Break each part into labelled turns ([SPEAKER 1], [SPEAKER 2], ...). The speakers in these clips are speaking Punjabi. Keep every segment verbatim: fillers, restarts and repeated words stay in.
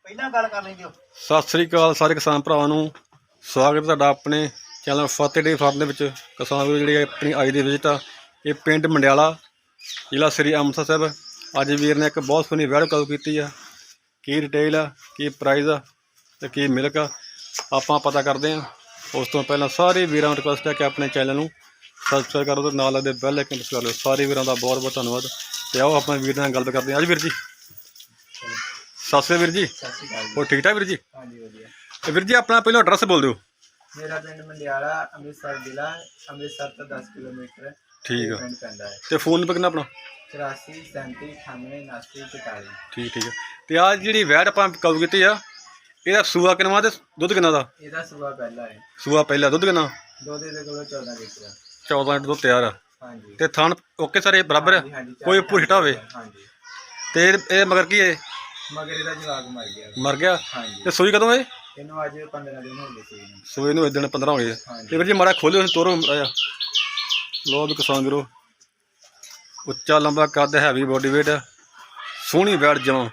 [SPEAKER 1] ਪਹਿਲਾਂ ਗੱਲ ਕਰ ਲੈਂਦੇ ਹੋ।
[SPEAKER 2] ਸਤਿ ਸ੍ਰੀ ਅਕਾਲ ਸਾਰੇ ਕਿਸਾਨ ਭਰਾਵਾਂ ਨੂੰ, ਸਵਾਗਤ ਤੁਹਾਡਾ ਆਪਣੇ ਚੈਨਲ ਫਤਿਹ ਡੇਅਰੀ ਫਾਰਮ ਦੇ ਵਿੱਚ। ਕਿਸਾਨ ਵੀਰ ਜਿਹੜੀ ਆਪਣੀ ਅੱਜ ਦੀ ਵਿਜ਼ਿਟ ਆ ਇਹ ਪਿੰਡ ਮੰਡਿਆਲਾ, ਜ਼ਿਲ੍ਹਾ ਸ੍ਰੀ ਅੰਮ੍ਰਿਤਸਰ ਸਾਹਿਬ। ਅੱਜ ਵੀਰ ਨੇ ਇੱਕ ਬਹੁਤ ਸੋਹਣੀ ਵੈੜ ਕਾਲ ਕੀਤੀ ਆ। ਕੀ ਰਿਟੇਲ ਆ, ਕੀ ਪ੍ਰਾਈਜ਼ ਆ ਤੇ ਕੀ ਮਿਲਕ ਆ, ਆਪਾਂ ਪਤਾ ਕਰਦੇ ਹਾਂ। ਉਸ ਤੋਂ ਪਹਿਲਾਂ ਸਾਰੇ ਵੀਰਾਂ ਨੂੰ ਰਿਕੁਐਸਟ ਹੈ ਕਿ ਆਪਣੇ ਚੈਨਲ ਨੂੰ ਸਬਸਕ੍ਰਾਈਬ ਕਰੋ ਤੇ ਨਾਲ ਲੱਗਦੇ ਬੈਲ ਆਈਕਨ ਪ੍ਰੈਸ ਕਰ ਲਓ। ਸਾਰੇ ਵੀਰਾਂ ਦਾ ਬਹੁਤ ਬਹੁਤ ਧੰਨਵਾਦ। ਤੇ ਆਓ ਆਪਣੇ ਵੀਰ ਨਾਲ ਗੱਲ ਕਰਦੇ ਹਾਂ। ਅੱਜ ਵੀਰ ਜੀ ਸਤਿ ਸ਼੍ਰੀ ਅਕਾਲ ਵੀਰ ਜੀ।
[SPEAKER 1] ਸਤਿ ਸ਼੍ਰੀ ਅਕਾਲ ਜੀ।
[SPEAKER 2] ਹੋਰ ਠੀਕ ਠਾਕ ਵੀਰ ਜੀ?
[SPEAKER 1] ਹਾਂਜੀ ਵਧੀਆ।
[SPEAKER 2] ਤੇ ਵੀਰ ਜੀ ਆਪਣਾ ਪਹਿਲਾਂ ਐਡਰੈਸ ਬੋਲ ਦਿਓ।
[SPEAKER 1] ਮੇਰਾ ਪਿੰਡ ਮੰਡਿਆਲਾ, ਅੰਮ੍ਰਿਤਸਰ ਜ਼ਿਲ੍ਹਾ, ਅੰਮ੍ਰਿਤਸਰ ਤੋਂ ਦਸ ਕਿਲੋਮੀਟਰ
[SPEAKER 2] ਠੀਕ ਆ।
[SPEAKER 1] ਪਿੰਡ ਪੈਂਦਾ ਹੈ।
[SPEAKER 2] ਤੇ ਫੋਨ ਨੰਬਰ ਕਿੰਨਾ ਆਪਣਾ?
[SPEAKER 1] ਚੁਰਾਸੀ ਸੈਂਤੀ ਅਠਾਨਵੇਂ ਉਨਾਸੀ ਚੁਤਾਲੀ।
[SPEAKER 2] ਠੀਕ ਠੀਕ ਹੈ। ਤੇ ਆਹ ਜਿਹੜੀ ਵੈੜ ਆਪਾਂ ਕਾਲ ਕੀਤੀ ਆ ਇਹਦਾ ਸੂਆ ਕਿੰਨਾ ਤੇ ਦੁੱਧ ਕਿੰਨਾ ਦਾ?
[SPEAKER 1] ਇਹਦਾ ਸੂਆ ਪਹਿਲਾ ਹੈ।
[SPEAKER 2] ਸੂਆ ਪਹਿਲਾ, ਦੁੱਧ ਕਿੰਨਾ?
[SPEAKER 1] ਦੁੱਧ ਦੇ ਕੋਲ ਚੌਦਾਂ ਲੀਟਰ।
[SPEAKER 2] ਚੌਦਾਂ ਲੀਟਰ ਦੁੱਧ ਤਿਆਰ ਆ।
[SPEAKER 1] ਹਾਂਜੀ।
[SPEAKER 2] ਤੇ ਥਣ ਓਕੇ ਸਾਰੇ ਬਰਾਬਰ ਆ,
[SPEAKER 1] ਹਾਂਜੀ, ਹਾਂਜੀ,
[SPEAKER 2] ਕੋਈ ਉੱਪਰ ਹਿੱਟਾ ਹੋਵੇ?
[SPEAKER 1] ਹਾਂਜੀ।
[SPEAKER 2] ਤੇ ਇਹ ਇਹ ਮਗਰ ਕੀ ਹੈ?
[SPEAKER 1] ਮਗਰ ਇਹਦਾ ਜਵਾਕ ਮਰ ਗਿਆ।
[SPEAKER 2] ਮਰ ਗਿਆ?
[SPEAKER 1] ਹਾਂਜੀ।
[SPEAKER 2] ਤੇ ਸੂਈ ਕਦੋਂ ਇਹ?
[SPEAKER 1] ਇਹਨੂੰ ਅੱਜ ਪੰਦਰਾਂ ਦਿਨ ਹੋ ਗਏ ਸੀ ਇਹਨੂੰ।
[SPEAKER 2] ਸੂਈ ਨੂੰ ਦਿਨ ਪੰਦਰਾਂ ਹੋ ਗਏ।
[SPEAKER 1] ਹਾਂਜੀ।
[SPEAKER 2] ਤੇ ਵੀਰ ਜੀ ਮਾੜਾ ਖੋਲਿਓ ਤੋਰੋ ਆਇਆ। ਲੋ ਵੀ ਕਿਸਾਨ ਵੀਰੋ, ਉੱਚਾ ਲੰਬਾ ਕੱਦ, ਹੈਵੀ ਬੋਡੀ ਵੇਟ, ਸੋਹਣੀ ਵੈੜ ਜਮਾਂ।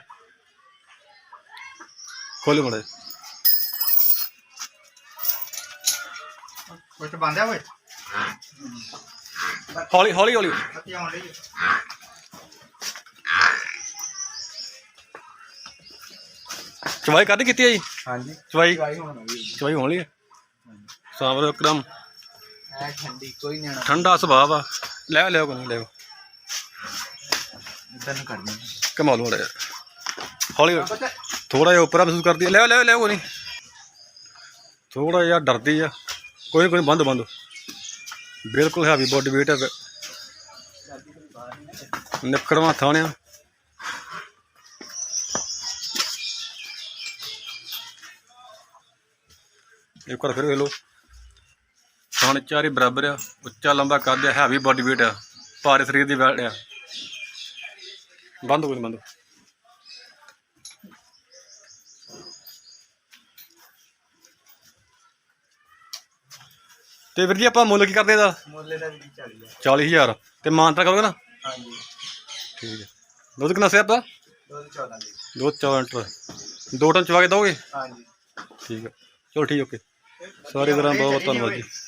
[SPEAKER 2] ਖੋਲਿਓ ਮਾੜਾ।
[SPEAKER 1] ਕੁਝ ਬੰਦਿਆ ਓਏ।
[SPEAKER 2] ਹੌਲੀ ਹੌਲੀ ਹੌਲੀ।
[SPEAKER 1] ਬੱਤੀ ਆਉਣ ਰਹੀ
[SPEAKER 2] ਚਵਾਈ ਕੱਢ ਕੀਤੀ ਆ ਜੀ?
[SPEAKER 1] ਹਾਂਜੀ।
[SPEAKER 2] ਚਵਾਈ
[SPEAKER 1] ਚਵਾਈ ਹੋਣ ਵਾਲੀ ਹੈ।
[SPEAKER 2] ਚਵਾਈ ਹੋਣ ਲਈ ਸਾਵਰ ਇੱਕਦਮ
[SPEAKER 1] ਐ ਠੰਡੀ, ਕੋਈ ਨਹੀਂ ਆਣਾ।
[SPEAKER 2] ਠੰਡਾ ਸੁਭਾਅ ਆ। ਲੈ ਲਿਓ ਕੋਈ ਨਹੀਂ ਲਿਓ।
[SPEAKER 1] ਇਦਾਂ ਨੂੰ ਕਰਨੀ
[SPEAKER 2] ਕਮਾਲ ਹੋ ਰਿਹਾ। ਹੌਲੀ ਥੋੜਾ ਜਿਹਾ ਉੱਪਰ ਮਹਿਸੂਸ ਕਰਦੀ ਹੈ। ਲੈ ਲੈ ਲੈ ਕੋਈ ਨਹੀਂ, ਥੋੜਾ ਜਿਹਾ ਡਰਦੀ ਆ। ਕੋਈ ਕੋਈ ਬੰਦ ਬੰਦ ਬਿਲਕੁਲ ਹੈਵੀ ਬੋਡੀ ਵੇਟ ਹੈ। ਨਿਕੜਵਾ ਥਾਣਿਆ। ਇੱਕ ਵਾਰ ਫਿਰ ਵੇਖ ਲਓ। ਥਣ ਚਾਰੇ ਬਰਾਬਰ ਆ, ਉੱਚਾ ਲੰਬਾ ਕੱਦ ਆ, ਹੈਵੀ ਬੋਡੀ ਵੇਟ ਆ, ਭਾਰੇ ਸਰੀਰ ਦੀ ਵੈੜ ਆ। ਬੰਦ ਕੋਈ ਬੰਦ। ਤੇ ਵੀਰ ਜੀ ਆਪਾਂ ਮੁੱਲ ਕੀ ਕਰਦੇ ਇਹਦਾ?
[SPEAKER 1] ਮੁੱਲੇ ਦਾ ਵੀ ਚਾਲੀ ਹੈ।
[SPEAKER 2] ਚਾਲੀ ਹਜ਼ਾਰ। ਤੇ ਮਾਨਤਾ ਕਰੋਗੇ ਨਾ?
[SPEAKER 1] ਹਾਂਜੀ।
[SPEAKER 2] ਠੀਕ ਹੈ। ਦੁੱਧ ਕਿੰਨਾ ਸਿਆ ਆਪਾਂ?
[SPEAKER 1] ਦੁੱਧ ਚੌਦਾਂ ਲੀਟਰ।
[SPEAKER 2] ਦੋ ਚੌਦਾਂ ਲੀਟਰ। ਦੋ ਟਨ ਚਵਾ ਕੇ ਦੋਗੇ?
[SPEAKER 1] ਹਾਂਜੀ।
[SPEAKER 2] ਠੀਕ ਹੈ, ਚਲੋ ਠੀਕ ਓਕੇ। ਸਾਰੇ ਵੀਰਾਂ ਦਾ ਬਹੁਤ ਬਹੁਤ ਧੰਨਵਾਦ ਜੀ।